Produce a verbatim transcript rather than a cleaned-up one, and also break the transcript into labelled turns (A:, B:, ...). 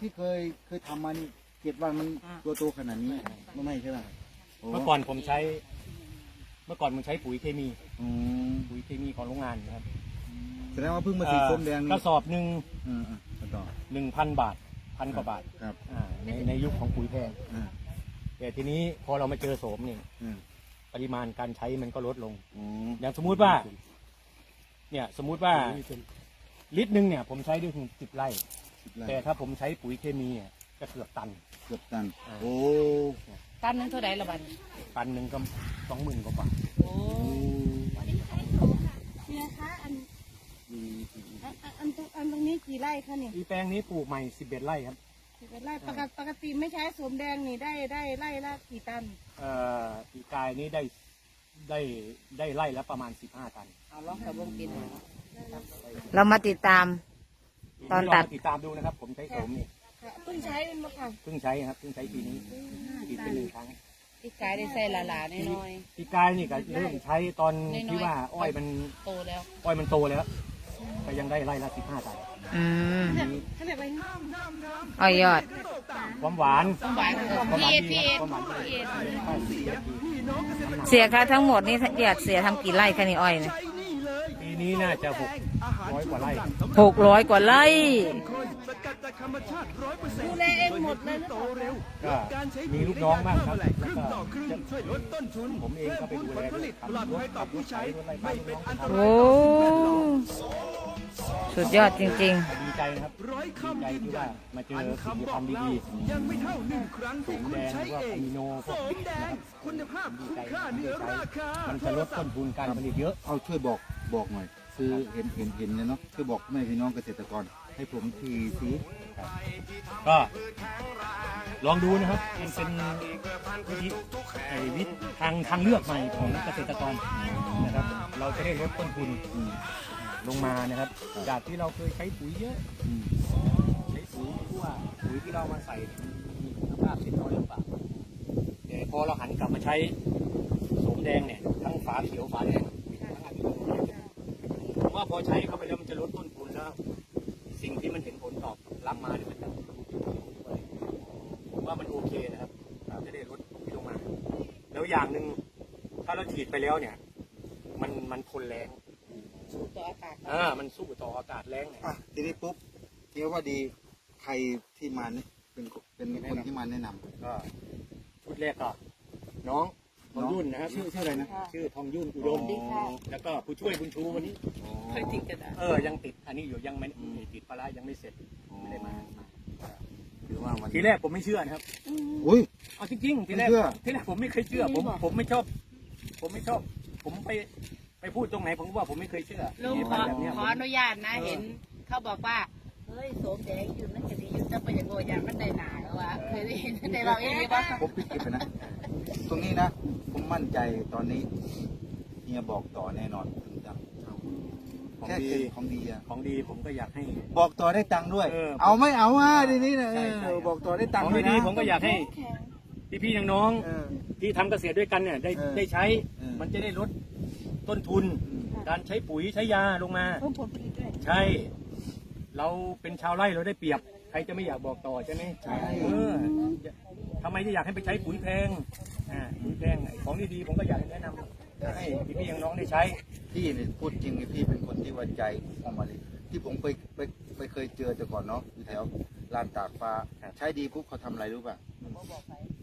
A: ที่เคยเคยทำมานี่เจ็ดวันมันตัวโตขนาดนี้ไม่ไม่ใช่ไหม
B: เมื่อก่อนผมใช้ เมื่อก่อนผมใช้ปุ๋ยเคมี
A: อืม
B: ปุ๋ยเคมีของโรงงานนะครับ
A: แสดงว่าเพิ่งมาสีส้มแดงนี่
B: กระสอบหนึ่ง
A: อืมอ่ะต่อ
B: หนึ่งพันบาทพันกว่าบาท
A: ครับ
B: อ่าในในยุคของปุ๋ยแพง
A: อ่า
B: แต่ทีนี้พอเรามาเจอโสมนี่
A: อืม
B: ปริมาณการใช้มันก็ลดลง
A: อืม
B: อย่างสมมุติว่า เนี่ยสมมุติว่าลิตรหนึ่งเนี่ย ผมใช้ได้ถึงสิบไร่
A: สิบไร่
B: แต่ถ้าผมใช้ปุ๋ยเคมีเนี่ยก็เกือบตัน
A: เกือบตัน
B: อ่า
A: โอ้
C: ตันนึงเท่าไหร่ละบัด
B: ตันหนึ่งก็สองหมื่นกว่าบาท
C: โอ้เนี่ยคะอันอันอันอันตรงอันตรงนี้กี่ไร่คะนี่
B: อีแปลงนี้ปลูกใหม่สิบเอ็ดไร่ครับ
C: สิบเอ็ดไร่ปกติปกติไม่ใช้สวมแดงนี่ได้ได้ไร่ละกี่ตัน
B: เอ่ออีกายนี้ได้ได้ได้ไร่ละประมาณสิบห้าตัน
C: เอาลองกับวงกิน
D: เรามาติดตาม ตอนตัด
B: ลงมาติดตามดูนะครับ ผมใช้โสมนี่
C: เพิ่งใช้เป็นมาค่ะ
B: เพิ่งใช้ครับเพิ่งใช้ปีนี้ปีเป็นหนึ่งครั้ง
C: อีกกายได้ใส่ละลาน้อย
B: ปีกายนี่ก็เริ่มใช้ตอน
C: น้อยๆ
B: ที่ว่าอ้อยมัน
C: ๆโตแล้ว
B: อ้อยมันโตแล้วก็ยังได้ไร่ละสิบห้าตัน
D: อืม
C: เขาเรียกว่า
D: อ้อยยอด
B: ความหวาน
C: หวาน
B: ความหวาน
C: พีเอ
B: ดี
C: พีเอ
B: ครับความหวานดี
C: พีเอ
B: ห้าสิบนาที
D: เสียค่าทั้งหมดนี่อยากเสียทำกี่ไร่คะนี่อ้อยเนี่ย
B: ปีนี้น่าจะหกร้อยกว่าไร่
D: หกร้อยกว่าไร่
C: ดูแลเองหมดเลยหรือเปล่า
B: ก็มีลูกน้องบ้างครับแล้วก็ผมเองก็ไปดูแลด้วยขับรถขับรถใช้รถอะไรบ้างลูกน้องทำ
D: โอ้ สุดยอดจริง
B: ดีใจนะครับดีใจที่ว่ามาเจอสิ่งที่ทำดีๆยังไม่เท่าหนึ่งครั้งที่คุณใช้เองโนพวกนะครับคุณภาพดีใจดีใจมันจะลดต้นทุนการผลิตเยอะ
A: เอาช่วยบอกบอกหน่อย คือเห็นเห็นเห็นเลยเนาะช่วยบอกแม่พี่น้องเกษตรกรให้ผมทีสิ
B: ก็ลองดูนะครับมันเป็นวิธีไอ้วิธีทางทางเลือกใหม่ของเกษตรกรนะครับ เราจะได้ลดต้นทุน
A: อืม
B: ลงมานะครับ จากที่เราเคยใช้ปุ๋ยเยอะ
A: อืม
B: ใช้ปุ๋ยที่ว่าปุ๋ยที่เรามาใส่มีคุณภาพเต็มร้อยหรือเปล่าแต่พอเราหันกลับมาใช้โสมแดงเนี่ยทั้งฝาเขียวฝาแดงทั้งอะมิโนผมว่าพอใช้เข้าไปแล้วมันจะลดต้นทุนแล้ว สิ่งที่มันเห็นผลตอบรับมาเนี่ยมันจะผมว่ามันโอเคนะครับจะได้ลดลงมา แล้วอย่างหนึ่งถ้าเราฉีดไปแล้วเนี่ย มันมันทนแรง
C: สูตรต่ออากาศ
B: อ่ามันสู้ต่ออากาศแรงเนี่ย
A: อ่ะทีนี้ปุ๊บเรียกว่าดีใครที่มาเนี่ยเป็นเป็นคนที่มาแนะนำ
B: ก็ชุดแรกก็น้องทองยุ่นนะครับ
A: ชื่อชื่ออะไรนะ
B: ชื่อทองยุ่นอุดม แล้วก็ผู้ช่วยบุญชูวันนี้
C: เคยติดกระดาษ
B: เออยังติดอันนี้อยู่ยังไม่ติดปลาร้ายังไม่เสร็จไม่ได้มา
A: ถือว่าวัน
B: ทีแรกผมไม่เชื่อนะครับ
A: อุ้ย
B: เอาจริงๆทีแรก
A: ไม่เชื่อ
B: ทีแรกผมไม่เคยเชื่อ ผมผมไม่ชอบ ผมไม่ชอบ ผมไปไปพูดตรงไหนผมก็ว่าผมไม่เคยเชื่อ
C: ลุงขอ
B: แบบเนี้ย
C: ขออนุญาตนะเห็นเขาบอกว่าเฮ้ยโสมแดงอยู่นั่นจะดีอยู่จะไปอย่างโง่อย่างมันได้หนาแล้วว่าเคยได้ยินได้เราเองหรือเปล่า
A: ผมปิดเก็บไปนะ ตรงนี้นะ ผมมั่นใจตอนนี้เฮียบอกต่อแน่นอนถึงจะเอา
B: ของ
A: แค่
B: ดี
A: เป็นของดีอะ
B: ของดีผมก็อยากให้
A: บอกต่อได้ตังค์ด้วย
B: เออ
A: เอาไม่เอาอ่ะทีนี้นะ
B: ใช่
A: เอ
B: ใช่
A: อบอกต่อได้ตัง
B: ข
A: ค์
B: อง
A: ด้วย
B: ดี
A: นะ
B: ๆผมก็อยากให้พี่ๆน้อง
A: เออ
B: ๆที่ทำเกษตรด้วยกันเนี่ยได้
A: เออ
B: ได้ใช้
A: เออ
B: มันจะได้ลดต้นทุน
A: อืม
B: การใช้ปุ๋ยใช้ยาลงมา
C: เพิ่มผลผลิตด้วย
B: ใช่ เราเป็นชาวไร่เราได้เปรียบ ใครจะไม่อยากบอกต่อใช่ไหม
A: ใช่
B: เออทำไมจะอยากให้ไปใช้ปุ๋ยแพงอ่าปุ๋ยแพงไอ้ของดีๆผมก็อยากแนะนำให้พี่ๆน้องๆได้ใช้
A: พี่เนี่ยพูดจริงเลยพี่เป็นคนที่ไว้ใจออกมาเลยที่ผมไปไปไปเคยเจอแต่ก่อนเนาะอยู่แถวลานตากฟ้าใช้ดีปุ๊บเขาทำอะไรรู้ป่ะ